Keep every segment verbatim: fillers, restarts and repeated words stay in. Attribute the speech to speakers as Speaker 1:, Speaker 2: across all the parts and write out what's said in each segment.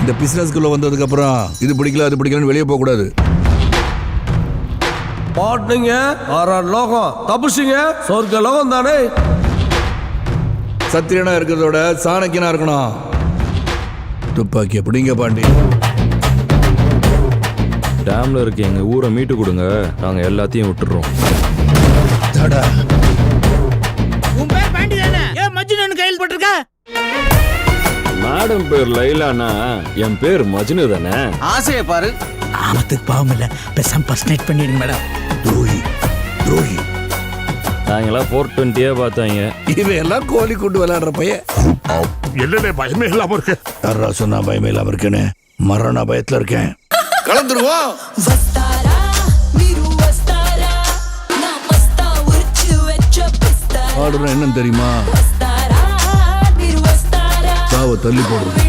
Speaker 1: இந்த பிசினஸ்க்குள்ள வந்ததுக்கு அப்புறம் இது பிடிக்கல அது பிடிக்கலன்னு வெளியே போக கூடாது.
Speaker 2: பாட்டுங்க ஆறாறு லோகம் தப்புச்சிங்க சொர்க்க லோகம் தானே.
Speaker 1: சத்திரியனா இருக்கிறதோட சாணக்கியனா இருக்கணும். துப்பாக்கி எப்படிங்க பாண்டி?
Speaker 3: டேம்ல இருக்க எங்க ஊரை மீட்டு கொடுங்க, நாங்க எல்லாத்தையும் விட்டுறோம்.
Speaker 4: உன் பேர் பாண்டி தானே? ஏன் மஜ்னு கையில் போட்டிருக்க?
Speaker 3: மேடம் பேர் லைலானா, என் பேர் மஜ்னு தானே.
Speaker 4: ஆசையை பாரு. ஆமத்துக்கு பாவம் இல்ல, பேசாம பர்சனேட் பண்ணிடுங்க மேடம்.
Speaker 1: துரோகி துரோகி.
Speaker 3: நாங்கெல்லாம் ஃபோர் டுவெண்ட்டியே பார்த்தாங்க.
Speaker 1: இவன் எல்லாம் கோழி கொண்டு விளையாடுற பையன்.
Speaker 5: என்னடே பயமே இல்லாம இருக்கு?
Speaker 1: யாரா சொன்னா பயமே இல்லாம இருக்கேன்னு? மரண பயத்துல இருக்கேன். கலந்துருவோம். ஆடுற என்னன்னு தெரியுமா? சாவ தள்ளி போடுறது.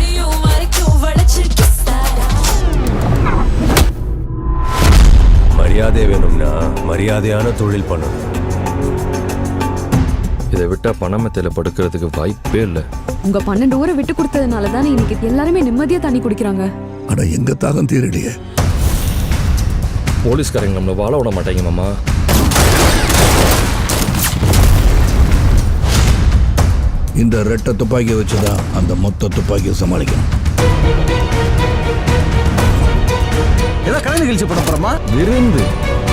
Speaker 6: மரியாதை வேணும்னா மரியாதையான தொழில் பண்ணணும்.
Speaker 3: இதை விட்டா பணமத்தையில படுக்கிறதுக்கு வாய்ப்பே இல்லை.
Speaker 7: உங்க பன்னெண்டு ஊரை விட்டு கொடுத்ததுனால தானே இன்னைக்கு எல்லாருமே நிம்மதியா தண்ணி குடிக்கிறாங்க.
Speaker 1: அட எங்க தாகம் தீரடியே.
Speaker 3: போலீஸ்காரங்க நம்மளை வாழ விட மாட்டாங்க மாமா.
Speaker 1: இந்த ரெட்டை துப்பாக்கியை வச்சுதான் அந்த மொத்த துப்பாக்கியை சமாளிக்கணும்.
Speaker 2: ஏதோ கலை நிகழ்ச்சி பண்ண போறோமா?
Speaker 3: விருந்து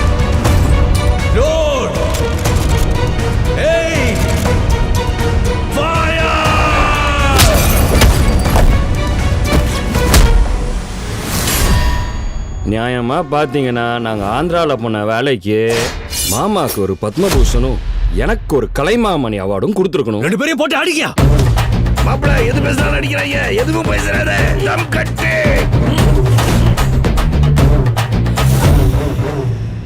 Speaker 3: நியாயமா பாத்தீங்கன்னா நாங்க ஆந்திரால போன வேலைக்கு மாமாக்கு ஒரு பத்மபூஷனும் எனக்கு ஒரு கலைமாமணி அவார்டும் கொடுத்துருக்கணும்.
Speaker 2: ரெண்டு பேரையும் போட்டு அடிக்கியா?
Speaker 1: மாப்பிள்ள எது பேசினாலும் அடிக்கிறாங்க. எதுவும் பேசுறாரு. தம் கட்டு.